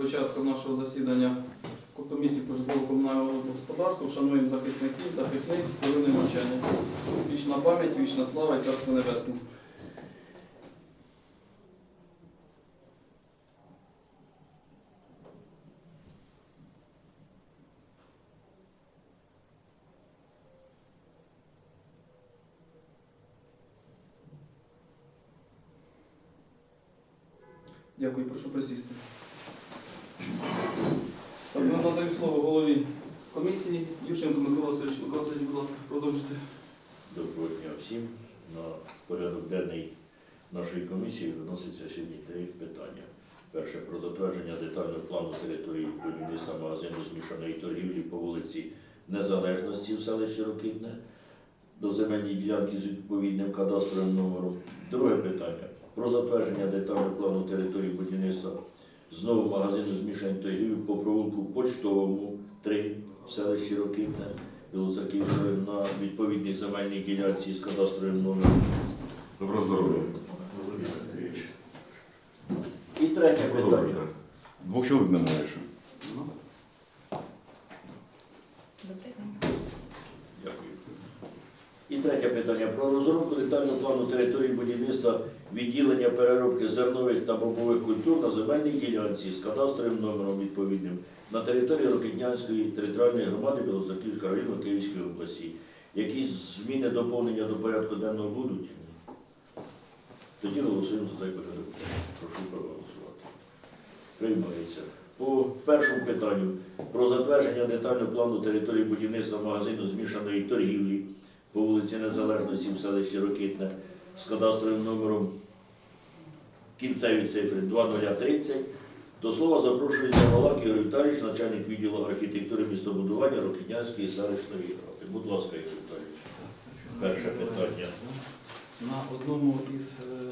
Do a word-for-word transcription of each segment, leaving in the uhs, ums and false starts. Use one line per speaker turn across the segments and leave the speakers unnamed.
початку нашого засідання комісії по житлово-комунальному господарству вшануємо захисників, захисниць, хвилиною мовчання. Вічна пам'ять, вічна слава і царство небесне. Дякую, прошу присісти. Так, ми надаємо слово голові комісії. Юрченко Микола Васильович. Микола Васильович, будь ласка, продовжуйте.
Доброго дня всім. На порядок денний нашої комісії виноситься сьогодні три питання. Перше – про затвердження детального плану території будівництва магазину змішаної торгівлі по вулиці Незалежності в селищі Рокитне до земельної ділянки з відповідним кадастровим номером. Друге питання – про затвердження детального плану території будівництва знову магазину змішаної торгівлі по провулку Почтовому, три в селищі Рокитне Білоцерківської на відповідній земельній ділянці з кадастровим номером.
Доброго здоров'я.
І третє питання.
Двох чоловік немає ще.
Дякую. І третє питання. Про розробку детального плану території будівництва відділення переробки зернових та бобових культур на земельній ділянці з кадастровим номером відповідним на території Рокитнянської територіальної громади Білоцерківського району Київської області. Якісь зміни, доповнення до порядку денного будуть? Тоді голосуємо за цей порядок. Прошу проголосувати. Приймається. По першому питанню про затвердження детального плану території будівництва магазину змішаної торгівлі по вулиці Незалежності в селищі Рокитне з кадастровим номером кінцеві цифри два нуль тридцять. До слова запрошується Малак Ігор Віталійович, начальник відділу архітектури містобудування Рокитнянської селищної ради. Будь ласка, Ігор Віталійович. Перше питання.
На одному із е,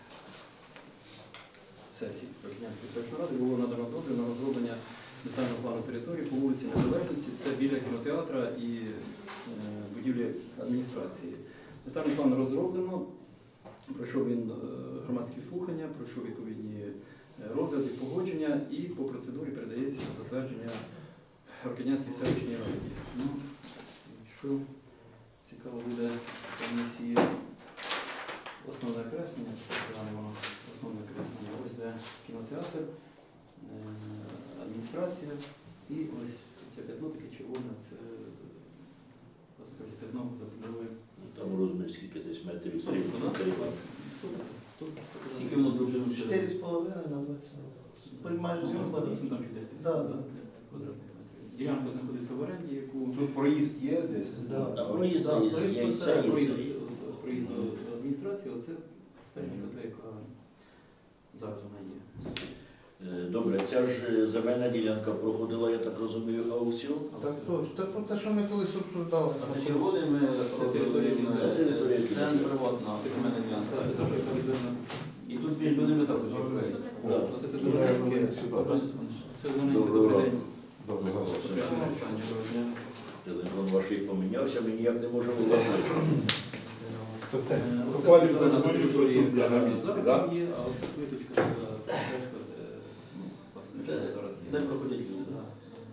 сесій Рокитнянської селищної ради було надано дозвіл на розроблення детального плану території по вулиці Незалежності. Це біля кінотеатра і е, будівлі адміністрації. Детальний план розроблено, пройшов він е, громадські слухання, пройшов відповідні розгляди, погодження і по процедурі передається на затвердження Рокитнянській селищній раді. Ну, що цікаво буде комісії, основне креслення, воно основне креслення, ось де кінотеатр, адміністрація і ось це п'ятно таке червоне, це п'ятно забудови.
Там розмір скільки десь метрів стрім.
Скільки воно довжину?
чотири з половиною на двадцять. Майже
Там
зробили.
чуть десь
Да, да.
квадратних метрів. Ділянка знаходиться в оренді, яку
Тут проїзд є десь?
Да.
А проїзд
Да,
є,
проїзд
є і
по
це, і
проїзд
це.
з проїзду адміністрації, оце стежка, та яка зараз вона є.
Е, Добре, ця ж земельна ділянка проходила, я так розумію, аукціон.
Так точно. Так те, що ми колись обсуждали.
Це червоний ми
Це територія
це не приватна земельна ділянка.
Це те, що яка відведена.
І тут між ними також є проїзд.
Да.
Оце це зелененьке. Це зелененьке,
Доброго
добрий день.
ранку.
Доброго
Телефон ваш помінявся, ми ніяк не можемо влазити.
То це
Е, оце
буквально
зелена
розмовлю, що
територія,
тут я на місці,
зараз
так?
там є, а оце плиточка, це стежка, де, ну, власне, що
Де-
зараз є.
Де проходять люди?
Да.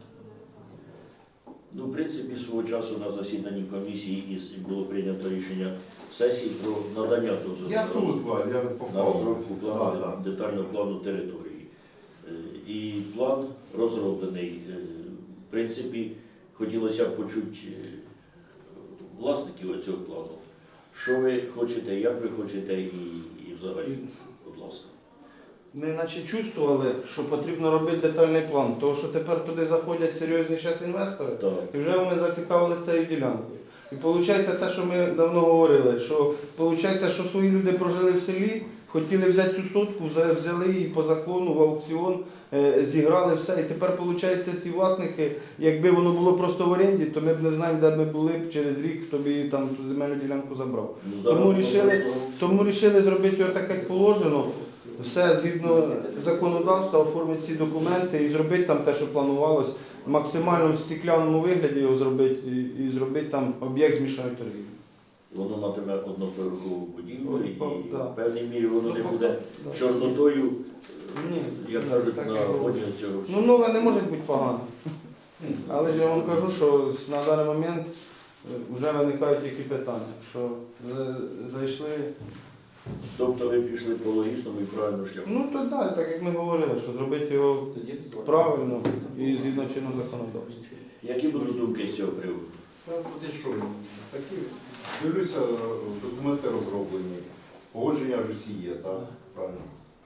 Ну, в принципі, свого часу на засіданні комісії із- було прийнято рішення сесії про надання дозволу
Я тут, Валь, я
на
попав.
розробку плану,
Да, да.
детального плану території. Е, І план розроблений. Е, В принципі, хотілося б почути е, власників цього плану. Що ви хочете, як ви хочете і, і взагалі, будь ласка.
Ми наче чувствували, що потрібно робити детальний план, тому що тепер туди заходять серйозні зараз інвестори,
Так.
і вже вони зацікавилися цією ділянкою. І виходить те, що ми давно говорили, що виходить, що свої люди прожили в селі, хотіли взяти цю сотку, взя- взяли її по закону в аукціон, е, зіграли все. І тепер виходить ці власники, якби воно було просто в оренді, то ми б не знаємо, де ми були б через рік, хто б її там ту земельну ділянку забрав.
Ну,
Тому
воно
рішили-
просто-
Тому вирішили зробити його так, як положено, все згідно законодавства, оформити ці документи і зробити там те, що планувалось, в максимально стеклянному вигляді його зробити і, і зробити там об'єкт змішаної торгівлі.
Воно матиме одноповерхову будівлю і
Да.
в певній мірі воно не буде
Да.
чорнотою
Ні,
як кажуть,
так
на
і було.
фоні цього
Ну,
всього.
нове не може бути погано. Але ж я вам кажу, що на даний момент вже виникають які питання, що за- зайшли.
Тобто ви пішли по логічному і правильному шляху.
Ну то так, так як ми говорили, що зробити його
Тоді візуально.
правильно і згідно чинного законодавства.
Які будуть думки з цього приводу?
Та буде що? Такі, дивлюся, документи розроблені. Погодження ж усі є, так? Правильно.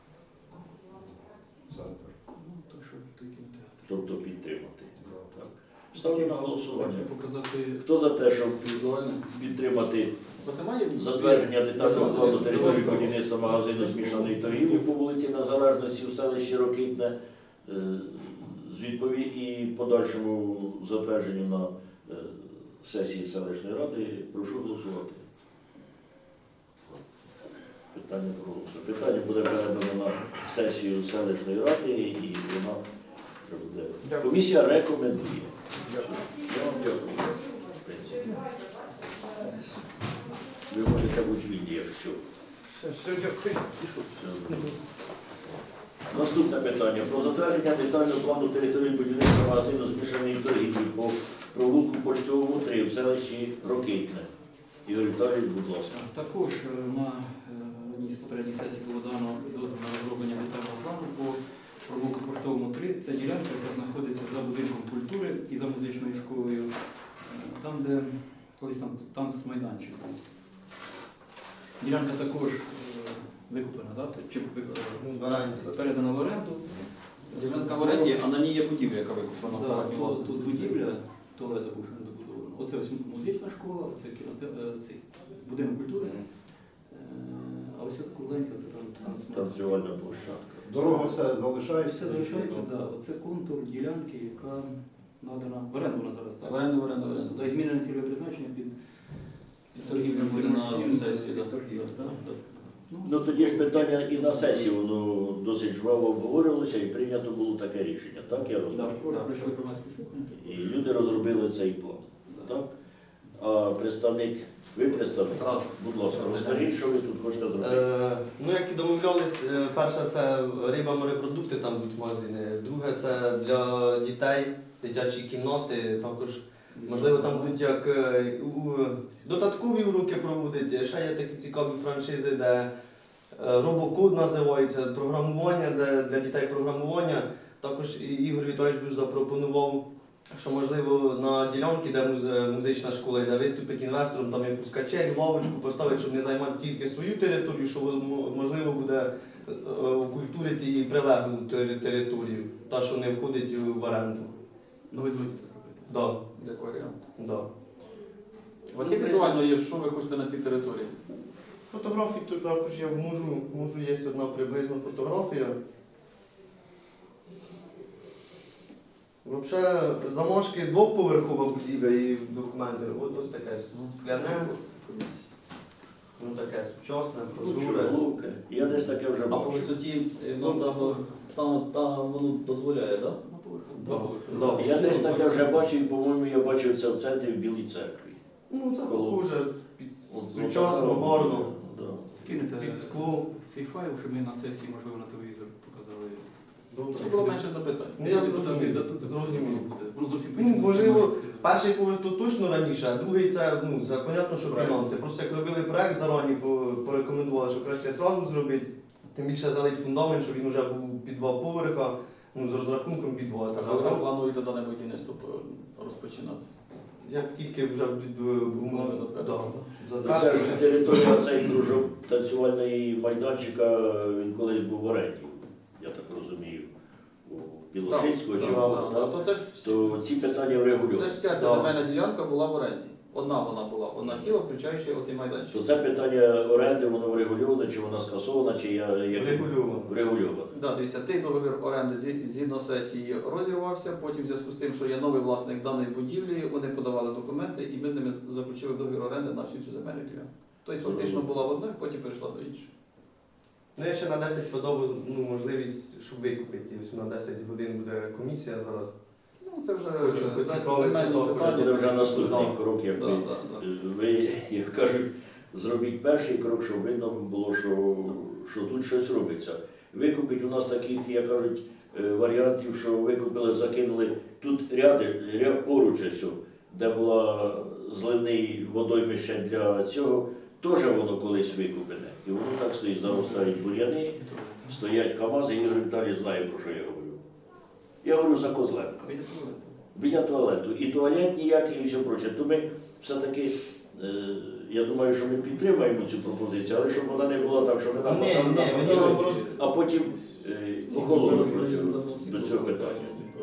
Центр.
Ну, то що той кінотеатр.
Тобто підтримати. Так. Ставлю на голосування.
Хочу показати
Хто за те, щоб
Візуально.
підтримати
У вас немає
затвердження детального плану території
Візуально.
будівництва магазину змішаної торгівлі по вулиці Незалежності в селищі Рокитне е, з відпові і подальшому затвердженню на е, сесії селищної ради, прошу голосувати. Питання проголосує. Питання буде передано на сесію селищної ради і вона буде.
Дякую.
Комісія рекомендує. Я вам дякую. В принципі. Ви можете бути вільні, якщо.
Все, все, дякую.
Все. Наступне питання. Про затвердження детального плану території будівництва магазину змішаної торгівлі по провулку Почтовому три в селищі Рокитне. Ігор Віталійович, будь ласка.
також е, на е, одній з попередніх сесій було дано дозвіл на розроблення детального плану по провулку Поштовому три. Це ділянка, яка знаходиться за будинком культури і за музичною школою, е, там, де колись там танцмайданчик був. Ділянка також е, викуплена, да? чи ви- е, передана в оренду.
Ділянка в оренді, а на ній є будівля, яка викуплена в
Да,
приватній
тут,
власності.
тут будівля, туалета був ще не добудовано. Оце ось музична школа, оце кіноте... е, цей будинок культури. Е, А ось от кругленька, це там танцмайданчик.
Танцювальна площадка.
Дорога все залишається.
Все залишається, так. Да. Оце контур ділянки, яка надана в оренду вона зараз так.
В оренду, в оренду, в оренду.
Да, і змінене цільове призначення під, під торгівлю
Буде на
комерційну,
сесії,
під
да.
торгівлю, да, да.
Ну тоді ж питання і на сесії воно досить жваво обговорювалося і прийнято було таке рішення, так я
Да,
розумію?
також прийшли громадські слухання.
І люди розробили цей план. Так? А представник, ви представник?
Так.
Будь ласка, розкажіть, що ви тут хочете зробити.
Е, ну, як і домовлялись, е, перше це риба, морепродукти там будуть магазини. Друге це для дітей, дитячі кімнати. Також, можливо, там будуть як е, у, додаткові уроки проводити. Ще є такі цікаві франшизи, де е, робокод називається, програмування, де для дітей програмування. Також і Ігор Віталійович запропонував, що можливо на ділянці, де муз- музична школа йде, виступить інвестором, там якусь качелю, лавочку поставити, щоб не займати тільки свою територію, що воз- можливо буде е, окультурити і прилеглу тери- територію, та що не входить в оренду.
Ну ви згодні це зробити.
Да,
Як варіант.
да.
У вас є візуально, є, що ви хочете на цій території?
Фотографій тут також я можу, можу є одна приблизна фотографія. Взагалі, замашки двохповерхова будівля і документи. От ось таке скляне, ну таке сучасне, прозоре.
Чудове. Я десь таке вже
А по
бачив.
висоті е, в нас там, там, там воно дозволяє, так?
На поверху.
Да,
Два поверхи.
да.
Я десь таке вже бачив, і, по-моєму, я бачив це в центрі в Білій церкві.
Ну це
Коло.
похоже, під
От,
сучасно,
от,
гарно,
да.
Скинете
під скло.
цей файл, щоб ми на сесії, можливо, на телевізор показали.
Щоб було менше запитань.
Ну, я
Депутати
зрозумів,
дадуть, це
зрозумів.
буде. Воно зовсім
Ну,
по-іншому
можливо,
сприймається.
Перший поверх то точно раніше, а другий це, ну, це понятно, що
Правильно.
фінанси. Просто як робили проект зарані, по- порекомендували, що краще зразу зробити, тим більше залить фундамент, щоб він вже був під два поверха, ну, з розрахунком під два.
А
етажа.
коли ви
Там,
плануєте дане будівництво розпочинати?
як тільки вже будуть е, умови
Може затвердити,
да,
Ну, Це ж територія цей кружок танцювальний майданчика, він колись був в оренді, я так розумію, у Білошинського чи
Так,
кого,
Да,
так?
то це ж
То ці питання
це
врегулюються.
ж вся ця
Да.
земельна ділянка була в оренді. Одна вона була, одна ціла, включаючи оцей майданчик.
То це питання оренди, воно врегульоване, чи воно скасоване, чи я, як...
регульовано.
врегульоване.
Да, дивіться, той договір оренди зі- згідно сесії розірвався, потім в зв'язку з тим, що є новий власник даної будівлі, вони подавали документи і ми з ними заключили договір оренди на всю цю земельну ділянку. Тобто фактично була в одної, потім перейшла до іншої.
Ну, я ще на десять подав ну, можливість, щоб викупити. Ось на десять годин буде комісія зараз.
Ну це вже
Хочу
е,
поцікавитися,
земельне
то
Це
питання.
буде вже
тому
наступний
Да.
крок, як
Да,
ви,
да, да.
ви, як кажуть, зробіть перший крок, щоб видно було, що, що тут щось робиться. Викупить у нас таких, як кажуть, е, варіантів, що викупили, закинули. Тут ряди, ряд поруч ось, де була зливний водоймище для цього, теж воно колись викуплене. І воно так стоїть, заростають бур'яни, стоять КАМАЗи, Ігор Віталій знає, про що я говорю. Я говорю за Козленка. Біля туалету. І туалет ніякий, і все проче. То ми все-таки, е, я думаю, що ми підтримаємо цю пропозицію, але щоб вона не була так, що ми нам
Ні, ні, мені наоборот.
а потім е, охолону про цю- до цього питання.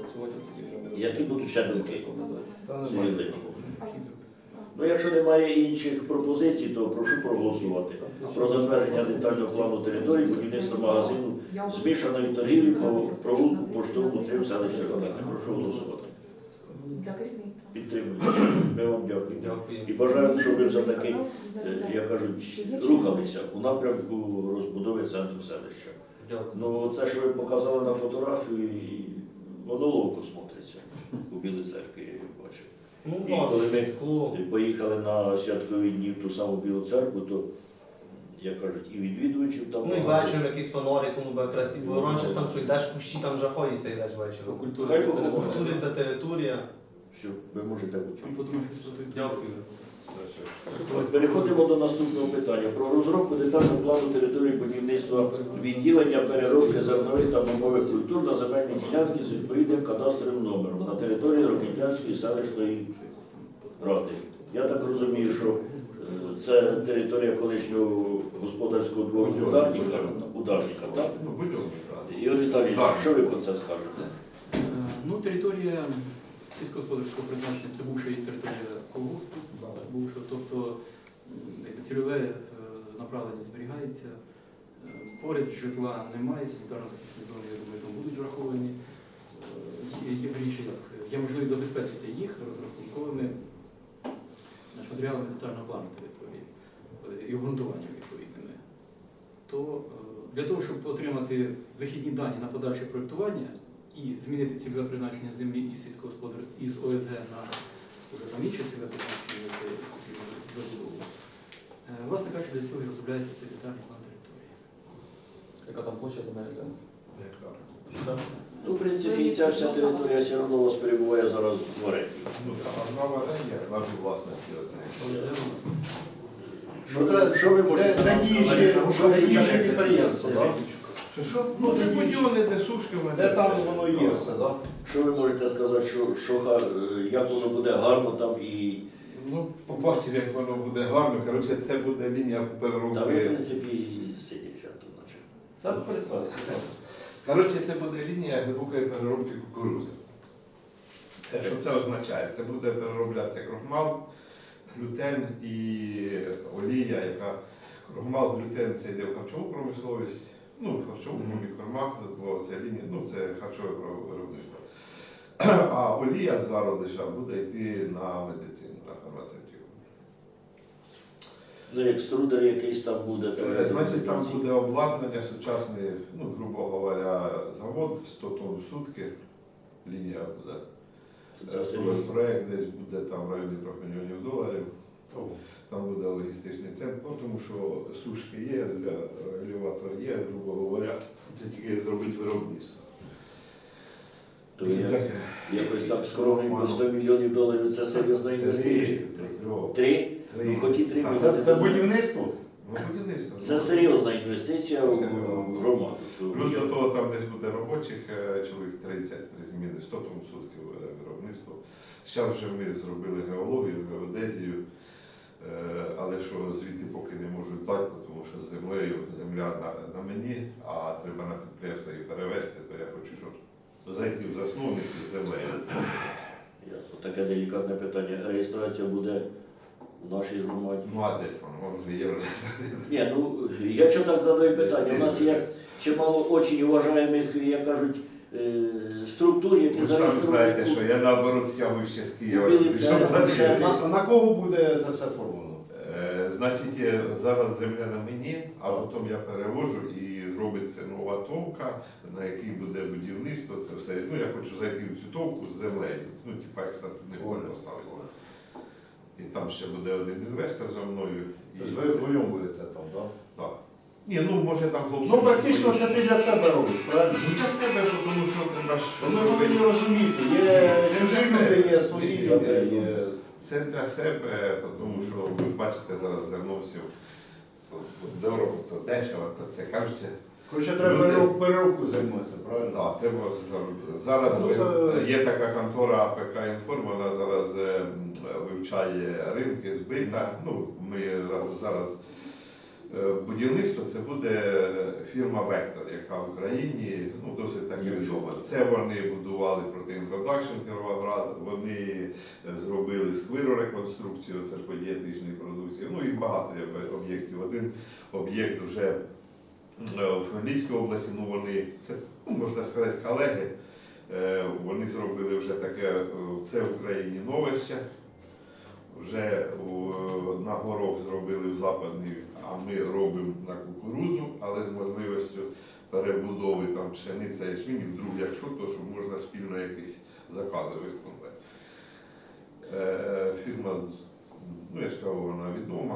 Які будуть ще думки? Сергій? Ну, якщо немає інших пропозицій, то прошу проголосувати про затвердження детального плану території будівництва магазину змішаної торгівлі по провулку поштовому три в селищі Рокетне. Прошу голосувати.
Для керівництва.
Підтримуємо. Ми вам дякуємо.
Дякую.
І бажаємо, щоб ви все-таки, е, як кажуть, рухалися у напрямку розбудови центру селища.
Дякую.
Ну, це, що ви показали на фотографії, воно ловко смотриться у Білій церкві, я бачив.
Ну,
І коли ми
скло.
поїхали на святкові дні в ту саму Білу церкву, то, як кажуть, і відвідувачів там.
Ну і
багато.
вечором якийсь фонарик, ну буде красиво. Бо раніше ж там, що йдеш в кущі, там жахаєшся йдеш вечором.
Культура
Хай
це
Бог
територія.
Культури це територія.
Все, ви можете бути.
Там подумаєш, що це
Дякую.
Переходимо до наступного питання. Про розробку детального плану території будівництва відділення переробки зернових та бобових культур на земельні ділянки з відповідним кадастровим номером на території Рокитнянської селищної ради. Я так розумію, що е, це територія колишнього господарського двору ударника, ударника, так?
Ну, будь-який, так.
Ігор Віталійович,
Так.
що ви про це скажете?
Е, Ну, територія сільськогосподарського призначення це бувша територія колгоспу, бувша, тобто м, якби цільове е, направлення зберігається. Е, Поряд житла немає, санітарно-захисні зони, я думаю, там будуть враховані. Е, Є, вірніше, як, є можливість забезпечити їх розрахунковими значить, матеріалами детального плану території е, і обґрунтуванням відповідними. То е, для того, щоб отримати вихідні дані на подальше проєктування і змінити цільове призначення землі із сільськогосподар із О С Г на вже там інше цільове призначення, яке потрібно забудову. Е, Власне кажучи, для цього і розробляється цей детальний план території.
Яка там площа земельна ділянка?
Гектар.
Ну, в принципі, ця вся територія все одно у вас перебуває зараз в оренді.
Ну, там одна варення, наші власності оце.
Що, ви- що ви можете
Де
нам
діючі
сказати?
де діючі підприємства, так? Чи що? Ну, де діючі.
будівлі, де сушки,
Де там воно є все, так?
Що ви можете сказати, що, що га- е, як воно буде гарно там і
Ну, побачив, як воно буде гарно. Коротше, це буде лінія
там, ви, в
переробки.
принципі, сидять тут наче.
Та представте.
Коротше, це буде лінія глибокої переробки кукурузи. Те, що це означає? Це буде перероблятися крохмал, глютен і олія, яка крохмал, глютен це йде в харчову промисловість, ну, в харчову комікормах, бо це лінія, ну, це харчове виробництво. А олія з зародиша буде йти на медицину, на фармацевтику.
Ну, як струдер якийсь там буде, то
Е, Значить, там буде обладнання сучасне, ну, грубо говоря, завод сто тонн в сутки, лінія буде.
це
Е,
серйозно.
Проект десь буде там в районі трьох мільйонів доларів. Там буде логістичний центр, ну, тому що сушки є, елеватор є, грубо говоря, це тільки зробити виробництво.
То
Це
я,
таке.
якось так скромненько сто мільйонів доларів це серйозна інвестиція.
Три.
Три?
Три.
Ну, хоч і три
А
мільйони.
це, це будівництво?
Ну, будівництво.
Це серйозна інвестиція в громаду.
Плюс до того там десь буде робочих, е, чоловік тридцять, три зміни, сто тонн в сутки е, виробництво. Зараз вже ми зробили геологію, геодезію, е, але що звідти поки не можуть дати, тому що з землею земля на, на мені, а треба на підприємство її перевезти, то я хочу, щоб зайти в засновник із землею.
Ясно. Таке делікатне питання. Реєстрація буде в нашій громаді.
Ну а де воно вже є.
Ні, ну я чого так задаю питання. У нас є чимало очень уважаємих, як кажуть, е, структур, які
Ви самі
зареєстровані.
знаєте, що я наоборот сяв ще з Києва.
Білі
щоб
церкви, ще
На, на кого буде це все оформлено?
Е, Значить, е, зараз земля на мені, а потім я перевожу і робиться нова товка, на якій буде будівництво, це все. Ну, я хочу зайти в цю товку з землею. Ну, типа, як статут не можна поставити. І там ще буде один інвестор за мною. І...
Тобто ви вдвоєм будете там, так?
Так. Ні, ну може там хлопці.
Ну, практично це ти для себе робиш, правильно?
Ну для себе, тому що треба ж
Ми
щось
повинні
робити.
розуміти, є чужі люди, є свої люди, є...
Це для себе, тому що ви бачите зараз зерновців, то дорого, то дешево, то це кажуть.
Короче, треба
Люди-
перероб- переробку займатися, правильно?
Так, треба зар- зараз
Ну,
ви-
це-
є така контора АПК Інформ, вона зараз е, м, вивчає ринки збита. Ну, ми зараз е, будівництво це буде фірма Вектор, яка в Україні ну, досить таки відома. Це вони будували протиінтродакшн Кіровоград, вони зробили сквиру реконструкцію, це ж по дієтичній продукції. Ну і багато є об'єктів. Один об'єкт вже в Хмельницькій області, ну вони, це, ну, можна сказати, колеги, е, вони зробили вже таке, е, це в Україні новище, вже у- на горох зробили в Западний, а ми робимо на кукурузу, але з можливістю перебудови там пшениця і ячмінь, і вдруг якщо, то що можна спільно якісь закази виконувати. Е, Фірма, ну я ж кажу, вона відома.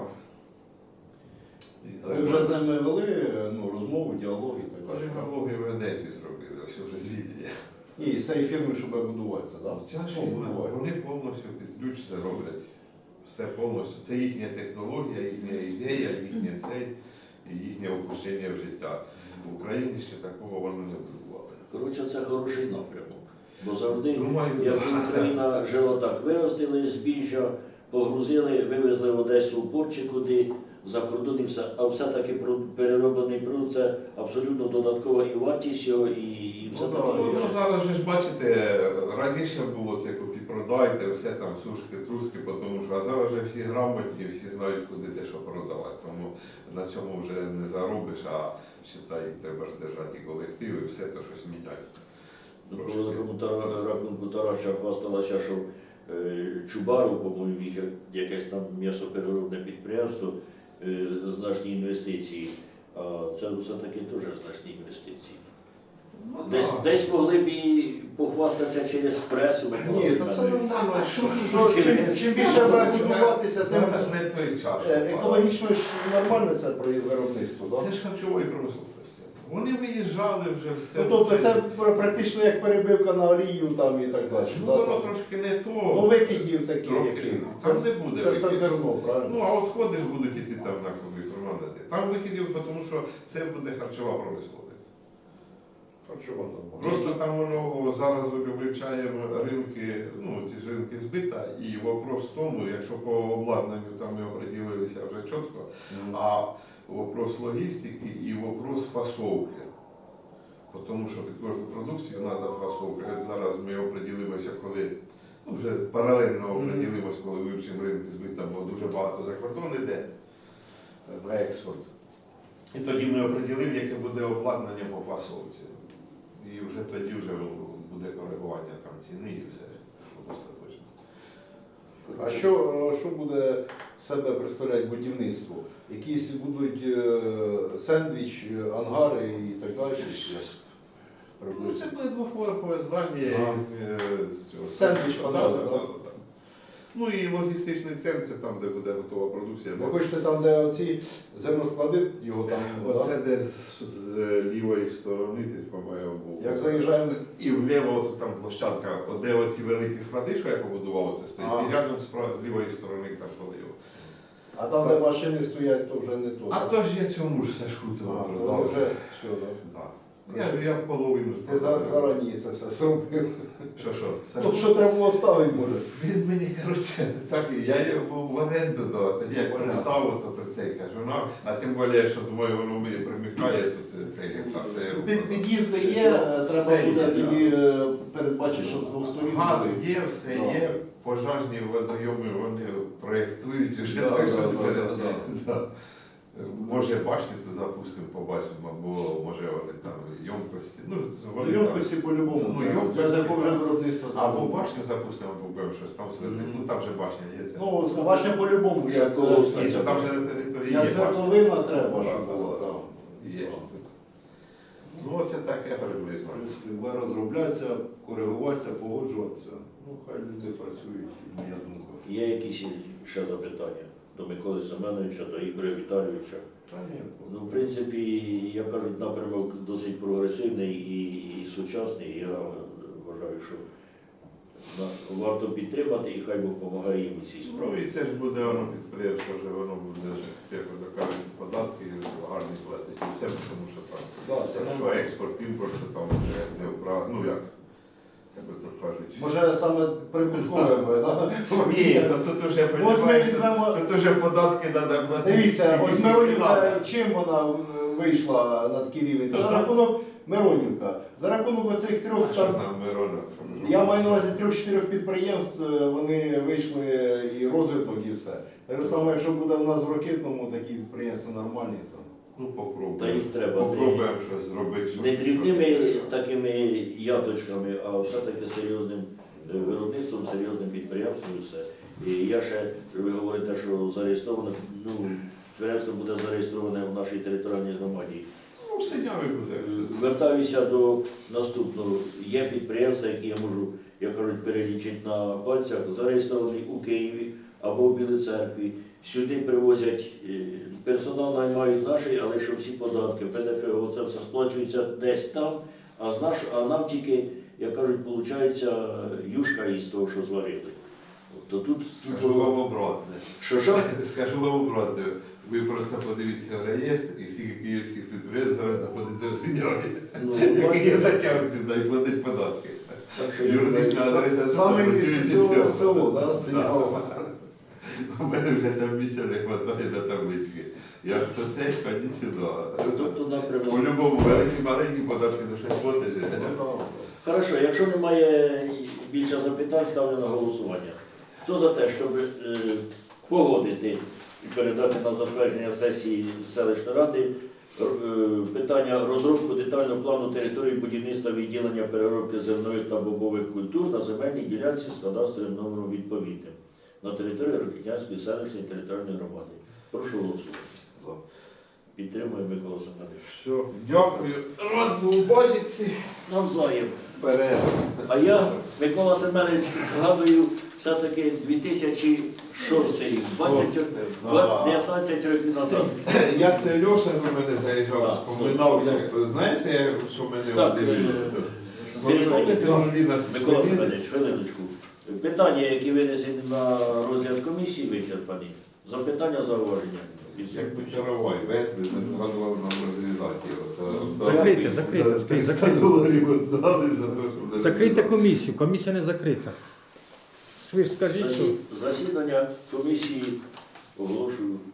І
Ви вже з ними вели ну, розмову, діалог і так
Каже,
далі?
налоги в Одесі зробили, ось вже звідти.
Ні, з цієї фірми, щоб будуватися, так?
Ця ж
Ну,
фірма,
буває.
вони повністю під ключ це роблять. Все повністю. Це їхня технологія, їхня ідея, їхнє цей, і їхнє опущення в життя. В Україні ще такого вони не будували.
Коротше, це хороший напрямок. Бо завжди,
Думаю,
як
да.
Україна жила так, виростили збіжжя, погрузили, вивезли в Одесу в порт чи куди, за кордон і все. А все-таки про- перероблений продукт – це абсолютно додаткова і вартість його, і, і все
Ну, да,
таке.
Ну, ну, зараз же ж бачите, раніше було це купі продайте, все там сушки, труски, тому що, а зараз вже всі грамотні, всі знають, куди де що продавати. Тому на цьому вже не заробиш, а считай, треба ж держати і колектив, і все то щось міняти.
По великому тара- рахунку Тараща хвасталася, що е, Чубару, по-моєму, їх якесь там м'ясопереробне підприємство, е, значні інвестиції. А це все-таки теж значні інвестиції.
Ну,
Десь,
так.
десь могли б і похвастатися через пресу. Микола
Ні, та це
Семенович.
нормально. Що, що, чим, чим більше буде будуватися, тим
Зараз не той час.
е, екологічно ж нормально це про виробництво, так?
Це ж харчової промисловості. Вони виїжджали вже все.
Ну, тобто це практично як перебивка на олію там і так далі.
Ну,
да,
воно
там.
трошки не то.
Ну, викидів таких,
Трохи.
яких.
Там
Це,
не буде
це все
викидів.
зерно, правильно?
Ну, а от ходиш будуть іти там на комп'ютер магазин. Там викидів, тому що це буде харчова промисловість.
Харчова норма.
Просто там воно зараз ми вивчаємо ринки, ну ці ж ринки збита, і вопрос в тому, якщо по обладнанню там ми оприділилися вже чітко, а вопрос логістики і вопрос фасовки. Тому що під кожну продукцію треба фасовка. От зараз ми оприділимося, коли ну, вже паралельно оприділимося, коли вивчимо ринки збита, бо дуже багато за кордон йде на експорт. І тоді ми оприділимо, яке буде обладнання по фасовці. І вже тоді вже буде коригування там ціни і все, що остаточно.
А що, що буде з себе представляти будівництво? Якісь будуть е, сендвіч, е, ангари і так далі?
Ну, це буде двоповерхове здання
Ага.
із, е, з цього.
Сендвіч
Да,
подали,
да,
да?
да, да. Ну і логістичний центр, це там, де буде готова продукція.
Ви хочете там, де оці зерносклади, його там,
Оце
да?
де з, з лівої сторони, ти по-моєму, був.
Як заїжджаємо,
І вліво от там площадка, от де оці великі склади, що я побудував, це стоїть.
Ага.
І рядом з, прав- з лівої сторони там полив.
а там, де машини стоять, то вже не то.
А
так?
то ж я цьому ж Сашку
А,
того
то
продав.
вже все, так?
Да. Я, я половину ж
Ти за-
продав.
зарані це все зробив.
Що, що?
Ну,
Сашко?
що треба було ставити, може?
Він мені, коротше, так, я його в оренду дав, тоді як
Понятно.
приставив, то про це й кажу, ну, а тим більше, що думаю, воно мені примикає, то це- цей гектар. то я його
Під,
продав.
під'їзди є, треба
Все
буде
є,
тоді е, передбачити, що з двох сторін.
Газ
буде.
є, все
Да.
є, пожежні водойоми вони проєктують уже,
Да,
так
да,
що
да,
перед-
да, да.
да. Може башню то запустимо, побачимо, або може вони там ємкості. Ну, це вони там-
Ємкості по-любому.
Ну,
треба.
ємкості,
Для такого вже
так.
виробництва.
Або
треба.
башню запустимо, або будемо щось там свердити.
Мгм.
Ну там же башня є. Це.
Ну, башня по-любому.
Ще
Як,
колос
е,
Ні, то там же на території є
як
башня.
свердловина треба,
Да,
щоб
да,
було.
да.
да.
Є. Ну, оце таке приблизно.
В принципі, буде розроблятися, коригуватися, погоджуватися. Ну, хай люди працюють, моя думка.
Є якісь ще запитання до Миколи Семеновича, до Ігоря Віталійовича?
Та ні.
Ну, в принципі, я кажу, напрямок досить прогресивний і, і сучасний. Я вважаю, що на- варто підтримати і хай Бог допомагає їм у цій
Ну
справі.
і це ж буде воно підприємство, вже воно буде, як то кажуть, податки гарні платить і все, тому що там.
Да, це
Якщо
нормально.
експорт, імпорт, то там вже не вправ... ну як, як би то кажуть.
Може саме прибуткове буде, так?
Ні, то тут уже,
Ось ми
понімаєш,
візьмемо.
тут уже податки треба платити.
Дивіться, ось
скільки надо.
Миронівка, чим вона е, вийшла на такий рівень? Це за рахунок Миронівка. За рахунок оцих
А
трьох
що
там.
там Мирона?
Я маю на увазі трьох-чотирьох підприємств, е, вони вийшли і розвиток, і все. Так само, якщо буде в нас в Рокитному такі підприємства нормальні, то.
Ну попробуємо.
Та їх треба.
Попробуємо щось зробити. щоб-
Не дрібними
щоб-
такими яточками, а все-таки серйозним е, виробництвом, серйозним підприємством і все. І я ще, ви говорите, що зареєстровано, ну, підприємство буде зареєстроване в нашій територіальній громаді.
Ну, в Синяві буде.
Звертаюся до наступного. Є підприємства, які я можу, як кажуть, перелічити на пальцях, зареєстровані у Києві або в Білій Церкві. Сюди привозять е, персонал, наймають наші, але що всі податки, ПДФ, оце все сплачується десь там, а, з наш, а нам тільки, як кажуть, виходить юшка із того, що зварили. То тут
Скажу вам обратне.
що що?
Скажу вам обратне. Ви просто подивіться в реєстр, і скільки київських підприємств зараз знаходиться в Синяві,
Ну,
які
бачите,
є затяг сюди і платять податки.
так що
Юридична адреса
Саме
працює
із цього
цього.
село, да, Синявого.
У мене вже там місця не вистачає на таблички. Я хто цей, ходіть сюди.
тобто напрямок.
По-любому великі, маленькі податки до щось платиш.
Хорошо, якщо немає більше запитань, ставлю на голосування. Хто за те, щоб е, погодити і передати на затвердження сесії селищної ради е, питання розробку детального плану території будівництва відділення переробки зернових та бобових культур на земельній ділянці з кадастровим номером відповідним на території Рокитнянської селищної територіальної громади. Прошу голосувати. Підтримує Микола Семенович.
Все, дякую. Рад був бачити.
Навзаєм.
Вперед.
А я, Микола Семенович, згадую все-таки дві тисячі шостий рік, двадцять, дев'ятнадцять років назад.
Я це Льоша до мене заїжджав,
Так.
споминав, як, знаєте, що мене
Так,
один...
е,
Ви пам'ятаєте, Анжеліна
Микола
Смоліна?
Семенович, хвилиночку. Питання, які винесені на розгляд комісії, вичерпані. Запитання, зауваження.
Як би чаровай везли, ми згадували нам розрізати його.
Закрийте, закрийте,
За
закрийте,
триста
закрийте.
доларів дали за те, щоб...
Закрийте комісію, комісія не закрита. Ви ж скажіть, що
Засідання комісії оголошую